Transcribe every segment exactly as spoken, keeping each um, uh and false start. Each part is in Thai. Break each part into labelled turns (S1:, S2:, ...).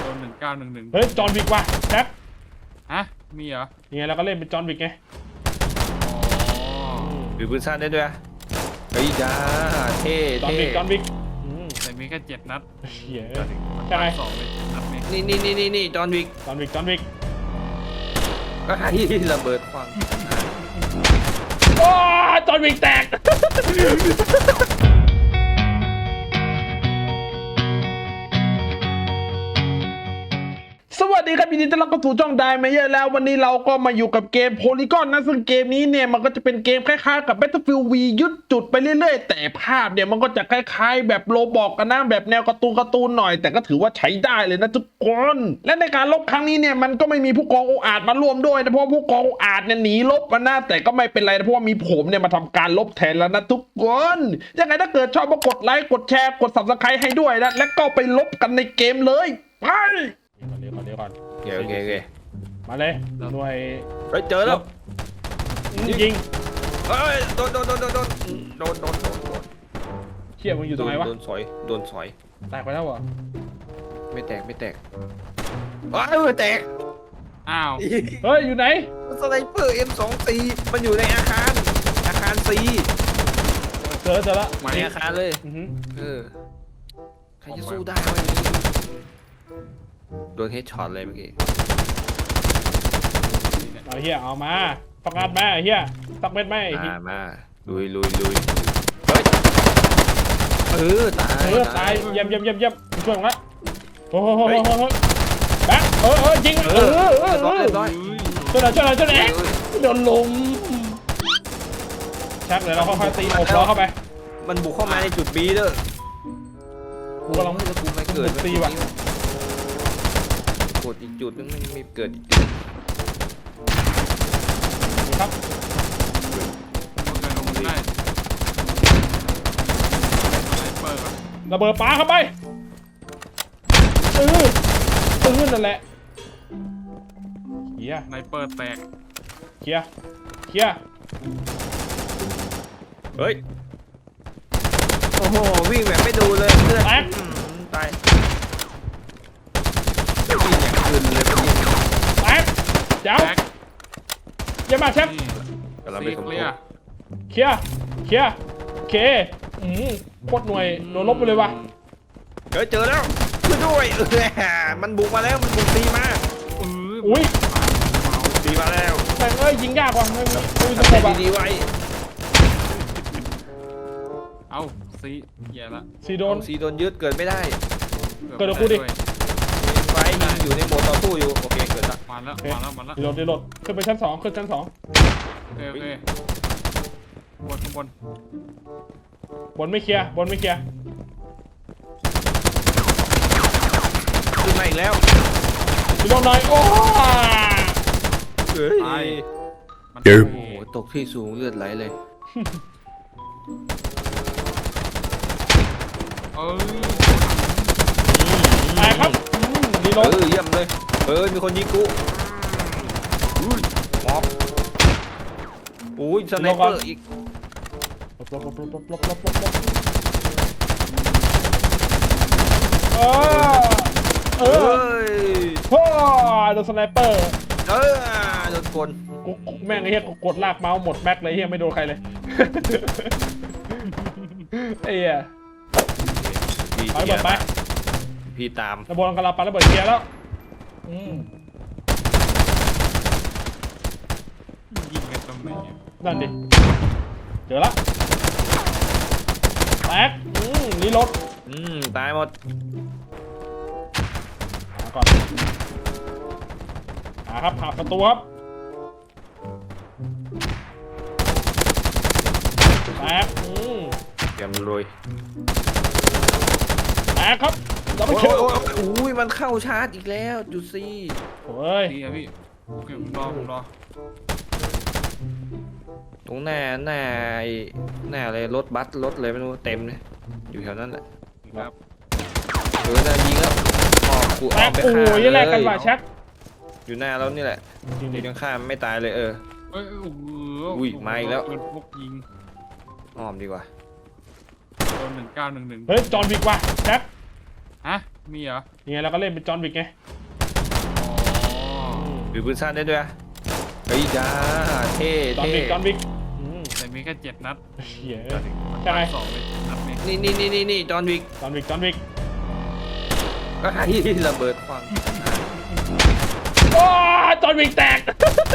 S1: โดนหนึ่งเก้าหนึ่งหนึ่ง
S2: เฮ้ยจอห์นวิกว่ะแท็บ
S1: ฮะมีเหรอ
S2: ยังไงเราก็เล่นเป็นจอห์นวิกไง
S3: ถือปืนสั้นได้ด้วยเฮ้ยจ้าเท่
S2: จอห์นวิกจอห์นวิก
S1: แต่มีแค่เจ็ดนัด
S2: เฮียใช่ไหม
S1: สองเลยนัดนี้
S3: นี่นี่นี่นี่นี่จอห์นวิก
S2: จอห์นวิกจอห์นวิก
S3: ก็ให้ระเบิดควัน
S2: โอ้จอห์นวิกแตกสวัสดีครับยินดีต้อนรับเข้าสู่ช่องไดเมเยอร์แล้ววันนี้เราก็มาอยู่กับเกมโพลีกอนนะซึ่งเกมนี้เนี่ยมันก็จะเป็นเกมคล้ายๆกับ Battlefield V ยึดจุดไปเรื่อยๆแต่ภาพเนี่ยมันก็จะคล้ายๆแบบโลบอกกันนะแบบแนวการ์ตูนการ์ตูนหน่อยแต่ก็ถือว่าใช้ได้เลยนะทุกคนและในการลบครั้งนี้เนี่ยมันก็ไม่มีผู้กองอุอาจมาร่วมด้วยนะเพราะผู้กองอุอาจเนี่ยหนีลบมาหน้าแต่ก็ไม่เป็นไรนะเพราะว่ามีผมเนี่ยมาทำการลบแทนแล้วนะทุกคนยังไงถ้าเกิดชอบก็กดไลค์กดแชร์กด ซับสไครบ์ ให้ด้วยนะและก็ไปลบกันในเกมเลยไปเดี๋ยวก่อนเดี๋ยวก่อน
S3: โอเคโอเคโอเค
S2: มาเลยหน่วย
S3: เฮ้ยเจอแล้ว
S2: ยิง
S3: เฮ้ยโดนโดนโดนโดนโดนโดนโดนโดนโดน
S2: เชี่ยมึงอยู่ตรงไหนวะ
S3: โดนสอยโดนสอย
S2: แตกไปแล้วเหรอ
S3: ไม่แตกไม่แตกว้าวไม่แตก
S1: อ้าว
S2: เฮ้ยอยู่ไหน
S3: สไนเปอร์ เอ็ม สอง สี่ มันอยู่ในอาคารอาคาร C
S2: เจอเจอแล้ว
S3: มาในอาคารเลยเออใครจะสู้ได้วะอย่างนี้โดนเฮดช็อตเลยเมื่อกี้
S2: เอาเฮียเอามาประกาศแม่เฮียตักเม็ดแม่
S3: มามาลุยลุยลุยเฮ้ยเออตาย
S2: เออตายเยี่ยมเยี่ยมเยี่ยมเยี่ยมช่วยผมละโอ้โหโอ้โหโอ้โหแบ๊กเออเออยิงเออเออเออช่วยหน่อยช่วยหน่อยช่วยหน่อยโดนลมชักเดี๋ยวเราค่อยๆตีอบล้อเข้าไป
S3: มันบุกเข้ามาในจุด B เด้อ
S2: กูกำลังไม่จะกูไม่เกิดตีว่ะ
S3: กดอีกจุดนึงไม่มีเกิดอีกจุด
S2: ครับระเบิดปาเข้าไปเออเออนั่นแหละเฮีย
S1: ไนเปอร์แตก
S2: เฮียเฮีย
S3: เฮ้ยโอ้โหวิ่งแบบไม่ดูเลยเลือด
S2: แตก
S3: ตายวิ่งอย่างอื่นเลยแต
S2: กเจ้าเยี่ยมมากเชฟ
S3: กำลังไปสมทบ
S2: เคลียร์เคลียร์เคอืมโคตรหน่วยโดนลบไปเลยว่ะ
S3: เจอเจอแล้วช่วยด้วยเออมันบุกมาแล้วมันบุกตีมา
S2: อุ้ย
S3: ตีมาแล้ว
S2: แต่เอ้ยยิงยากว่ะไม่ไม่ไม่
S3: สมบัติดีไว้
S1: เอาซีแย่ละ
S2: ซีโดน
S3: ซีโดนยึดเกิดไม่ได้
S2: เกิดกับกูดิ
S3: ไฟอยู่ในโหมดต่อสู้อยู่โอเคเกิดละ
S1: มาแล้วมาแล้วมาแล้ว
S2: ดีโหลดดีโหลดขึ้นไปชั้นสองขึ้นชั้นสอง
S1: โอเคโอเคบนข้างบน
S2: บนไม่เคลียร์บนไม่เคลียร์
S3: ขึ้นมาอีกแล้ว
S2: ดีโหลดหน่อยโอ้
S3: เฮ้ย
S1: มัน
S3: โอ้โหตกที่สูงเลือดไหลเลย
S1: เออ
S2: ไปครับดีโหลด
S3: เออเยี่ยมเลยเออมีคนยิงกูมอบโอ้ยสไนเปอร์อีก
S2: ลบลบลบลบลบลบลบลบเออเออโอ้โดนสไนเปอร์
S3: เออโดนกล
S2: กูแม่งไอ้เหี้ยกดลากเมาส์หมดแม็กเลยเหี้ยไม่โดนใครเลยไอ้เหี้ยไปหมดไป
S3: พี่ตาม
S2: ระเบิดกระลาปาระเบิดเกียร์แล้วอืม
S1: ยิงกันตรงไหน
S2: นั่นดิเจอละแตกอืมนี่รถ
S3: อืมตายหมด
S2: มาก่อนหาครับหาประตูครับแตกอืม
S3: เตรียมลุย
S2: แตกครับ
S3: เราไม่เชื่ออุ้ยมันเข้าชาร์จอีกแล้วจูซี่
S2: โอ้ย
S1: พี่พี่โอเคผมรอผมรอ
S3: ตรงหน้าหน้าหน้าอะไรรถบัสรถเลยไม่รู้เต็มเลยอยู่แถวนั้นแหละ
S1: ครับ
S3: เออน่ายิงแล้วออกกูออกไปฆ่า
S2: เลยแลกกันว่ะแช็ค
S3: อยู่หน้าแล้วนี่แหละยิงยังฆ่าไม่ตายเลยเออ
S1: เอ้ย
S3: อุ้ยมาอีกแล้ว
S1: พวกยิง
S3: อ้อมดีกว่า
S1: โดนหนึ่งเก้าหนึ่งหนึ่ง
S2: เฮ้ยจอห์นวิกว่ะแช็ค
S1: ฮะมีเหรอ
S2: ยังไงเราก็เล่นเป็นจอห์นวิกไง
S1: อ๋อ
S3: ถือปืนสั้นได้ด้วยอะเฮ้ยจ้าเท่
S2: จอห์น
S3: เท่
S2: วิกจอห์นวิกอืม
S1: แต่มีแค่เจ็ดนัด
S2: เหี้ย
S1: มัน
S2: ใช่ไหม
S1: สองเลยนัดนี้
S3: นี่นี่นี่นี่นี่จอห์นวิก
S2: จอห์นวิกจอห์นวิก
S3: ก็ให้ระเบิดควัน
S2: โอ้จอห์นวิกแตก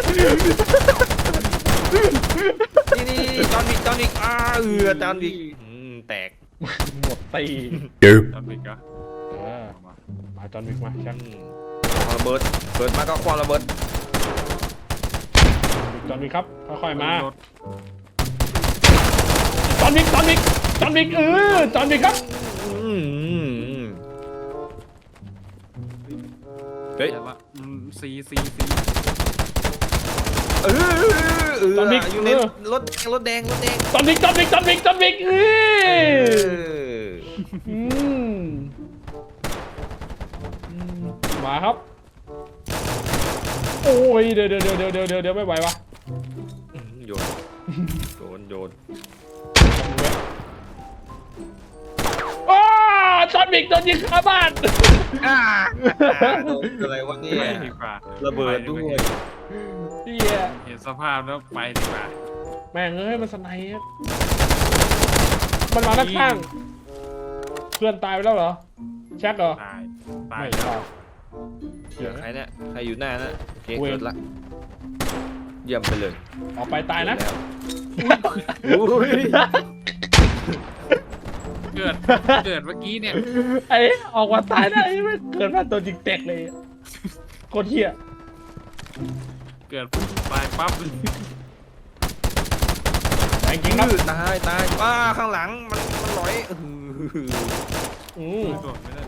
S3: นี่นี่นี่จอห์นวิกจอห์นวิกอ้าเอือจอห์นวิกอืมแตก
S2: หมดตี
S1: จำเป็นก็
S2: เออ
S1: เอามา
S2: มาจอห์นวิกมาชัก
S3: อืมความระเบิดเปิดมาก็ความระเบิด
S2: จอห์นวิกครับค่อยๆมา
S1: รถ
S2: จอห์นวิกจอห์นวิกจอห์นวิกเออจอห์นวิกครับ
S3: อืมอืมอืมเฮ้ย
S1: เดี๋ยวละอืมซีซีซี
S3: เออเออ
S2: จอห์นวิก
S3: อยู่ใน
S2: เออ
S3: รถรถแดงรถแดง
S2: จอห์นวิกจอห์นวิกจอห์นวิกจอห์นวิกเอ
S3: เอ
S2: อ
S3: อ
S2: อืมอืมมาครับ โอ้ยเดี๋ยวเดี๋ยวเดี๋ยวเดี๋ยวเดี๋ยวเดี๋ยวไม่ไหววะ
S3: อืมโยนโยนโยน
S2: อ้าจอห์นวิกโดนยิงคาบ้าน
S3: อ่าโดนอะไรวะเนี่
S1: ไป
S3: ย
S1: ดีกว่า
S3: ระเบิดด้วย
S2: เฮีย
S1: เห็นสภาพแล้วไปดีกว่า
S2: แม่งเอ้ยมันสไนป์ครับมันมาด้านข้างเพื่อนตายไปแล้วเหรอแช็คเหรอ
S1: ตายตาย
S2: ไม่
S1: แล้ว
S2: ตาย
S3: เหลือใครเนี่ยใครอยู่หน้านะโอเค
S2: เว้ย
S3: เกิดละเยี่ยมไปเลย
S2: ออกไปตายนะ
S3: แล้วอุ้ย
S1: เกิดเกิดเมื่อกี้เนี่ย
S2: ไอ้ออกมาตายได้ไม่เกิดมาตัวจริงแตกเลยโคตรเฮีย
S1: เกิดปุ๊บตายปั๊บ
S2: แต่จริงครับ
S3: ตายตายว้าข้างหลังมันมันลอยอื้อหือ
S2: อืม
S1: โดดไม่ได้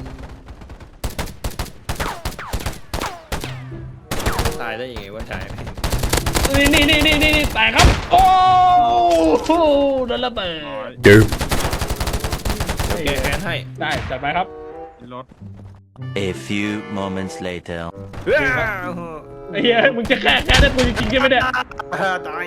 S3: ตายได้ยังไงวะชาย
S2: นี่นี่นี่นี่นี่แตกครับโอ้โหโดนระเบิ
S1: ร้อย
S2: ด
S3: โอเคแอนให้
S2: ได้จัดไปครับ
S1: รถ
S4: A few moments later.
S3: ว้าว
S2: ไอ้เหี้ยมึงจะแก้แก้ได้กูจริงๆใช่ไหมเนี่ย
S3: อ่าตาย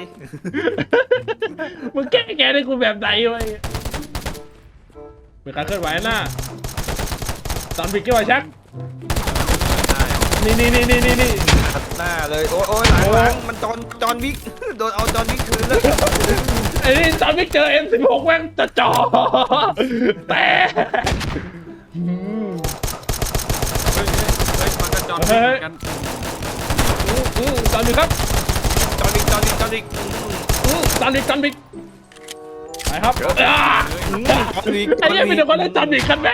S2: มึงแก้แก้ได้กูแบบไหนวะมีการเคลื่อนไหวหน้าตอนปิดกี่วันชัก
S1: ได้
S2: นี่นี่นี่นี่นี่นี่
S3: ตัดหน้าเลยโอ้ยโอ้ยหลังหลังมันจอนจอนวิกโดนเอาจอนวิกคืนแล้ว
S2: ไอ้นี่ตอนปิดเจอ เอ็ม สิบหก แม่งจะจ่อแต่อืม
S1: เฮ้ยเฮ้ยมันกระจอนเหมือนกัน
S2: อืมอืมตอนปิดครับ
S3: จอนวิกจอนวิกจอนวิก
S2: อืมตอนปิดตอนปิดไปครับอ่า
S3: อืมจอนวิก
S2: ไอ้เหี้ยมีแต่คนเล่นตอนปิดกันแม่ง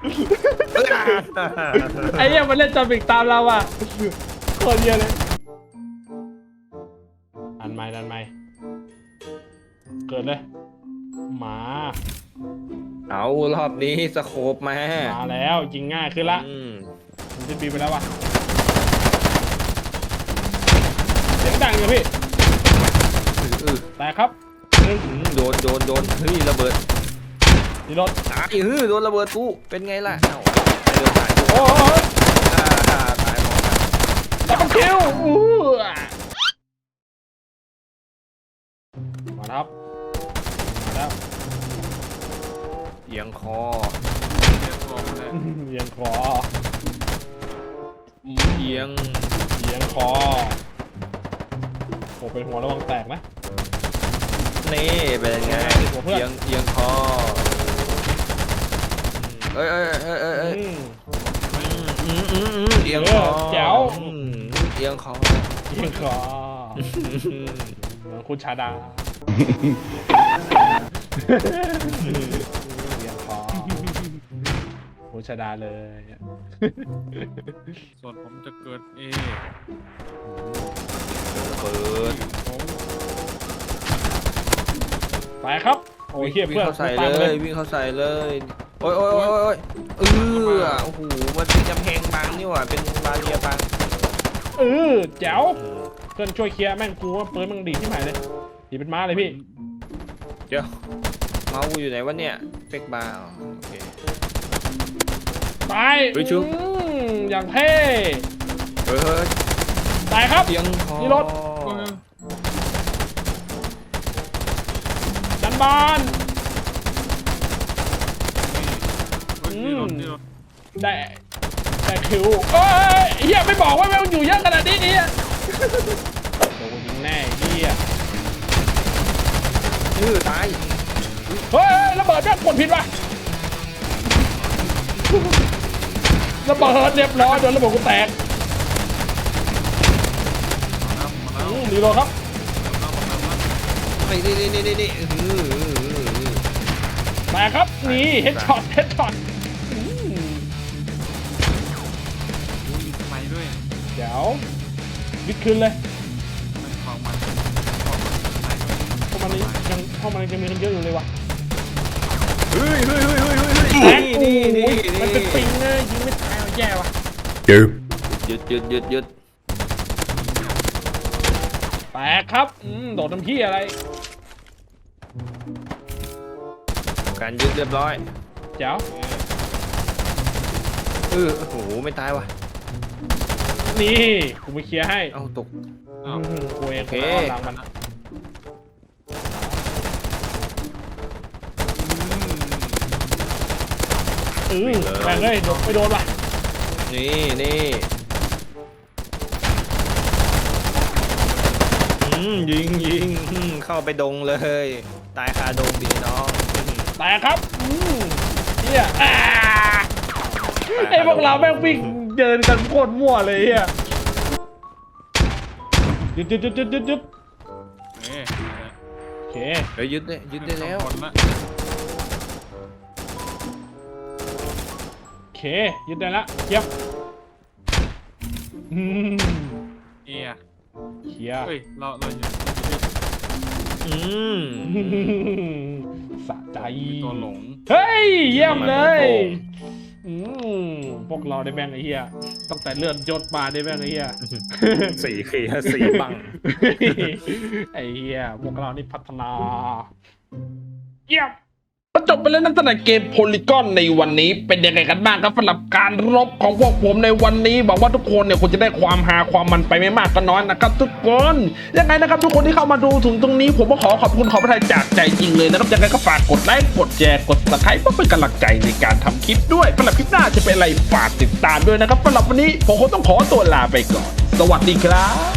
S2: ไอ้เหี้ยมันเล่นตอนปิดตามเราอ่ะโคตรเยอะเลยดันไม้ดันไม้เกิดเลยหมา
S3: เอารอบนี้สโคปมา
S2: มาแล้วยิงง่ายขึ้นละ
S3: อืม
S2: มันจะปีไปแล้ววะเสียงดังอยู่พี่
S3: อือ
S2: แต่ครับหนึ่ง
S3: อืมโดนโดนโดนเฮ้ยระเบิด
S2: ดีรถ
S3: ตายเฮ้ยโดนระเบิดกูเป็นไงล่ะเอ้าไปเดินผ่านกู
S2: โอ้โห
S3: อ่าตายหมด
S2: ดับเบิลคิวอู้มาครับมาแล้ว
S3: เอียงคอ
S1: เรียกตัวมาเลย
S2: เอียงคอ
S3: เอียง
S2: เอียงคอโอ้เป็นหัวระวังแตกนะ
S3: นี่เป็นไง
S2: หัวเพื่อน
S3: เอียงเอียงคอเอ้ยเอ้ยเอ้ยเอ้ยเอ้ย
S2: อืม
S3: อืมอืมอืมเอียงคอ
S2: เออแจ๋ว
S3: อืมเอียงคอ
S2: เอียงคอเหมือนคุณชาดาเอียงคอคุณชาดาเลย
S1: ส่วนผมจะเกิดเอ
S3: เปิด
S2: ไปครับโอ้ยเฮีย
S3: วิ่ง
S2: เพื่อน
S3: เข้าใส่
S2: ตาม
S3: เล
S2: มาย
S3: วิ่งเข้าใส่เลยโอ้ยโอ้ยโอ้ยโอ้ยเออโอ้โหมันเป็นกำแพงบังนี่หว่าเป็นบาเรียบัง
S2: เออแจ๋วเพื่อนช่วยเคลียร์แม่งกูว่าปืนมึงดีที่ไหนเลยดีเป็นม้าเลยพี่
S3: เดี๋ยวเมาส์กูอยู่ไหนวะเนี่ยเป็กบาร์อ๋อโอเค
S2: ตาย
S3: เฮ้ยชุบ
S2: อืมอย่างเท่
S3: เฮ้ยเฮ้ย
S2: ตายครับ
S3: เอียงคอ
S2: นี่รถ จันบาน
S1: เฮ้ยนี่รถนี่รถ
S2: ได้ได้คิวเอ้ยเฮียไม่บอกว่าแม่งอยู่เยอะขนาดนี้เนี่ยโดนยิงแน่เฮีย
S3: ชื่อตาย
S2: เฮ้ยระเบิดแม่งกดผิดว่ะระเบิดเรียบร้อยโดนระเบิดกูแตก
S1: มาแล้ว
S2: อืมรีโหลดครับ
S3: ไอ้นี่นี่นี่นี่อื้อหือ
S2: แตกครับนี่เฮดช็อตเฮดช็อต
S1: มีสไนด้วย
S2: เดี๋ยววิดคืนเลย
S1: มันของมันของมันสไนด้วย
S2: พวกมันนี้ยังพวกมันยังมีกันเยอะอยู่เลยว่ะ
S3: เฮ้ยเฮ้ยเฮ้ยเฮ้ยเฮ้ย
S2: แตก
S3: นี่
S2: โอ้
S3: นี่
S2: โห
S3: นี่
S2: มันเป็นปิงเลยยิงไม่ตายแย่ว่ะ
S3: หยุดหยุดหยุดหยุด
S2: แตกครับอืมโดดน้ำพี่อะไร
S3: การยึดเรียบร้อย
S2: เจ้า
S3: เออโอ้โหไม่ตายว่ะ
S2: นี่กูไปเคลียร์ให้
S3: เอ้าตก
S2: อืมกูเอง
S3: โอเค
S2: กูเอาหลังมันนะเออแม่งเอ้ยโดนไม่โดนว่ะ
S3: นี่นี่อืมยิงยิงอืมเข้าไปดงเลย ตายคาดงดีน้อง
S2: แตกครับอืมเฮียอ่าไอ้พวกเราแม่งวิ่งเดินกันโคตรมั่วเลยเฮียหยุดหยุดหยุดหยุดหยุดหยุด
S1: เอ๊ะ
S2: โอเค
S3: เฮ้ยยึดได้ยึดได้แล้ว
S1: คนละ
S2: โอเคยึดได้ละเยี่ยมอืม
S1: เอีย
S2: เคลียร์
S1: เฮ้ยเราเราอยู่
S3: อืม
S2: สะใจ
S1: ตัวหลง
S2: เฮ้ยเยี่ยมเลย
S3: โอ้โห
S2: อืมพวกเราได้แบ่งไอ้เหี้ยตั้งแต่เลื่อนยศมาได้แบ่งไอ้เหี้ย
S3: สี่เคลียร์สี่บัง
S2: ไอ้เหี้ยพวกเรานี่พัฒนาเยี่ยมก็จบไปแล้วนั่นสำหรับเกมโพลีกอนในวันนี้เป็นยังไงกันบ้างครับสำหรับการรบของพวกผมในวันนี้หวังว่าทุกคนเนี่ยคงจะได้ความฮาความมันไปไม่มากก็น้อยนะครับทุกคนยังไงนะครับทุกคนที่เข้ามาดูถึงตรงนี้ผมก็ขอขอบคุณขอพระทัยจากใจจริงเลยนะครับยังไงก็ฝากกดไลค์กดแชร์กด ซับสไครบ์เพื่อเป็นกำลังใจในการทำคลิปด้วยสำหรับคลิปหน้าจะเป็นอะไรฝากติดตามด้วยนะครับสำหรับวันนี้ผมคงต้องขอตัวลาไปก่อนสวัสดีครับ